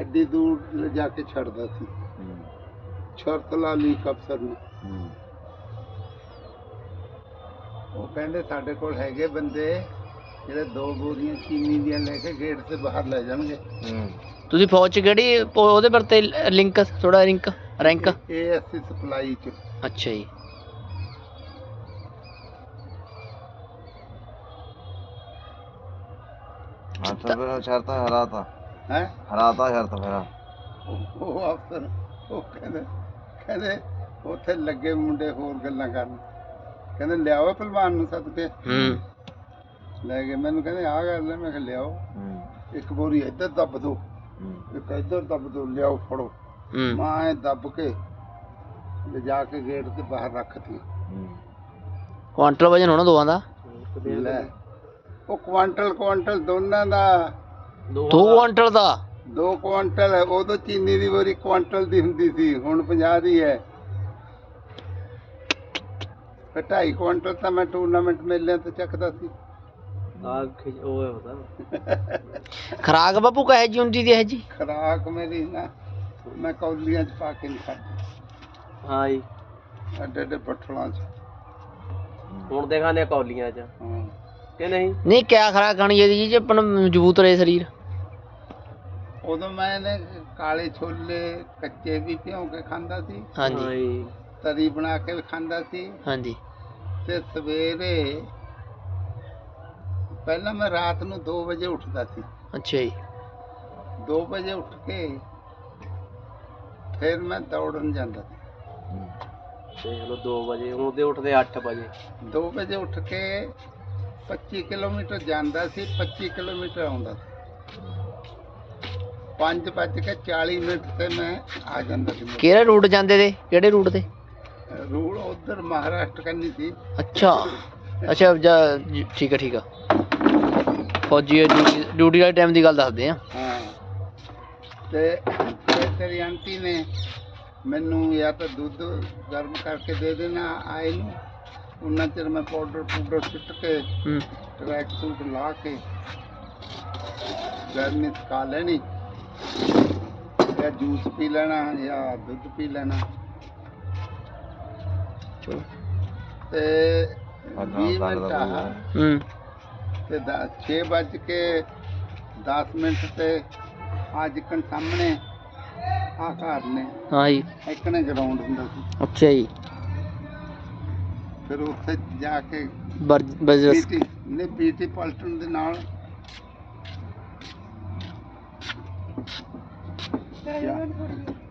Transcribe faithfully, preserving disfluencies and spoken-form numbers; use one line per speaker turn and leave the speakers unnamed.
AD दूर ले जाके छड़दा सी शर्त ला ली अफसर ने वो कहंदे साडे कोल हैगे बंदे ਜਿਹੜੇ ਦੋ ਬੋਰੀਆਂ ਚੀਨੀ ਦੀਆਂ ਲੈ ਕੇ ਗੇਟ ਤੇ ਬਾਹਰ ਲੈ ਜਾਣਗੇ।
ਤੁਸੀਂ ਫੌਜ ਚ ਕਿਹੜੀ ਉਹਦੇ ਪਰ ਤੇ ਲਿੰਕ ਥੋੜਾ ਰਿੰਕ ਰੈਂਕ
ਇਹ ਅਸੀਂ ਸਪਲਾਈ ਚ।
ਅੱਛਾ ਜੀ।
ਹਾਂ ਤਾਂ ਫਿਰ ਸ਼ਰਤ ਹਰਾਤਾ
ਹੈ
ਹਰਾਤਾ ਸ਼ਰਤ ਫਿਰ
ਉਹ ਅਫਸਰ ਉਹ ਕਹਿੰਦੇ ਕਹਿੰਦੇ ਉੱਥੇ ਲੱਗੇ ਮੁੰਡੇ ਹੋਰ ਗੱਲਾਂ ਕਰਨ ਕਹਿੰਦੇ ਲਿਆਓ ਪਹਿਲਵਾਨ ਨੂੰ ਸੱਦ ਕੇ
ਹੂੰ
ਲੈ ਗਏ ਮੈਨੂੰ ਕਹਿੰਦੇ ਆਹ ਗੱਲ ਹੈ ਮੈਂ ਕਿਹਾ ਲਿਆਓ ਇੱਕ ਬੋਰੀ ਇੱਧਰ ਦੱਬ ਦੋ ਇੱਕ ਇੱਧਰ ਦੱਬ ਦੋ ਲਿਆਓ ਫੜੋ ਮੈਂ ਐਂ ਦੱਬ ਕੇ ਲਿਜਾ ਕੇ ਗੇਟ ਤੇ ਬਾਹਰ ਰੱਖਤੀ।
ਕੁਆਂਟਲ ਵਜਨ ਹੋਣਾ ਦੋਵਾਂ ਦਾ
ਲੈ ਉਹ ਕੁਆਂਟਲ ਕੁਆਂਟਲ ਦੋਨਾਂ ਦਾ
ਦੋ ਕੁਆਂਟਲ ਦਾ
ਦੋ ਕੁਆਂਟਲ ਉਦੋਂ ਚੀਨੀ ਦੀ ਬੋਰੀ ਕੁਆਂਟਲ ਦੀ ਹੁੰਦੀ ਸੀ ਹੁਣ ਪੰਜਾਹ ਦੀ ਹੈ। ਫਿਰ ਢਾਈ ਕੁਆਂਟਲ ਤਾਂ ਮੈਂ ਟੂਰਨਾਮੈਂਟ ਮੇਲਿਆਂ ਤੇ ਚੱਕਦਾ ਸੀ।
ਖਰਾਕ ਬਾਪੂ ਕਹੇ ਜੀ ਹੁੰਦੀ ਦੀ ਇਹ ਜੀ
ਖਰਾਕ ਮੇਰੀ ਨਾ ਮੈਂ ਕੌਲੀਆਂ ਚ ਪਾ ਕੇ ਨਹੀਂ ਖਾਂਦੀ।
ਹਾਂ ਜੀ
ਐਡੇ ਐਡੇ ਬੱਠਲਾਂ ਚ
ਹੁਣ ਦੇ ਖਾਣੇ ਕੌਲੀਆਂ ਚ
ਹਾਂ
ਕਿ ਨਹੀਂ
ਨਹੀਂ ਕਿਆ ਖਰਾਕ ਖਾਣੀ ਚਾਹੀਦੀ ਜੀ ਜੇ ਆਪਣਾ ਮਜ਼ਬੂਤ ਰਹੇ ਸਰੀਰ।
ਉਦੋਂ ਮੈਂ ਨੇ ਕਾਲੇ ਛੋਲੇ ਕੱਚੇ ਵੀ ਭਿਉਂ ਕੇ ਖਾਂਦਾ ਸੀ
ਹਾਂਜੀ
ਤਰੀ ਬਣਾ ਕੇ ਵੀ ਖਾਂਦਾ ਸੀ
ਹਾਂਜੀ
ਤੇ ਸਵੇਰੇ ਪਹਿਲਾਂ ਮੈਂ ਰਾਤ ਨੂੰ ਦੋ ਵਜੇ ਉੱਠਦਾ ਸੀ।
ਅੱਛਾ ਜੀ।
ਦੋ ਵਜੇ ਉੱਠ ਕੇ ਫਿਰ ਮੈਂ ਦੌੜਨ ਜਾਂਦਾ ਸੀ।
ਦੇਖ ਲਓ ਦੋ ਵਜੇ ਉਹਦੇ ਉੱਠਦੇ ਅੱਠ ਵਜੇ
ਦੋ ਵਜੇ ਉੱਠ ਕੇ ਪੱਚੀ ਕਿਲੋਮੀਟਰ ਜਾਂਦਾ ਸੀ ਪੱਚੀ ਕਿਲੋਮੀਟਰ ਆਉਂਦਾ ਸੀ। ਪੰਜ ਵੱਜ ਕੇ ਚਾਲੀ ਮਿੰਟ ਤੇ ਮੈਂ ਆ ਜਾਂਦਾ ਸੀ।
ਕਿਹੜੇ ਰੂਟ ਜਾਂਦੇ ਤੇ ਕਿਹੜੇ ਰੂਟ ਤੇ
ਰੂਟ ਉਧਰ ਮਹਾਰਾਸ਼ਟਰ ਕਰਨੀ ਸੀ।
ਅੱਛਾ ਅੱਛਾ ਜੀ, ਠੀਕ ਹੈ ਠੀਕ ਆ। ਫੌਜੀ ਡਿਊਟੀ ਡਿਊਟੀ ਵਾਲੇ ਟਾਈਮ ਦੀ ਗੱਲ ਦੱਸਦੇ ਆ।
ਹਾਂ ਤੇ ਫਿਰ ਤੇਰੀ ਆਂਟੀ ਨੇ ਮੈਨੂੰ ਜਾਂ ਤਾਂ ਦੁੱਧ ਗਰਮ ਕਰਕੇ ਦੇ ਦੇਣਾ ਆਏ ਨੂੰ ਉਹਨਾਂ ਚਿਰ ਮੈਂ ਪਾਊਡਰ ਪਾਊਡਰ ਸੁੱਟ ਕੇ
ਹੂੰ
ਟਰੈਕ ਸੂਟ ਲਾ ਕੇ ਗਰਮੀ ਸਕਾ ਲੈਣੀ ਜਾਂ ਜੂਸ ਪੀ ਲੈਣਾ ਜਾਂ ਦੁੱਧ ਪੀ ਲੈਣਾ
ਚਲੋ
ਤੇ ਵੀਹ ਮਿੰਟ ਆ
ਹੂੰ
ਤੇ ਛੇ ਵੱਜ ਕੇ ਦਸ ਮਿੰਟ ਤੇ ਅੱਜ ਕਣ ਸਾਹਮਣੇ ਆ ਘਰ ਨੇ
ਹਾਂ ਜੀ
ਇੱਕਣੇ ਗਰਾਊਂਡ ਹੁੰਦਾ ਸੀ।
ਅੱਛਾ ਜੀ।
ਫਿਰ ਉੱਥੇ ਜਾ ਕੇ
ਬਰ ਬਜਰਸ
ਪੀਟੀ ਨੇ ਪੀਟੀ ਪਲਟਨ ਦੇ ਨਾਲ ਜਾ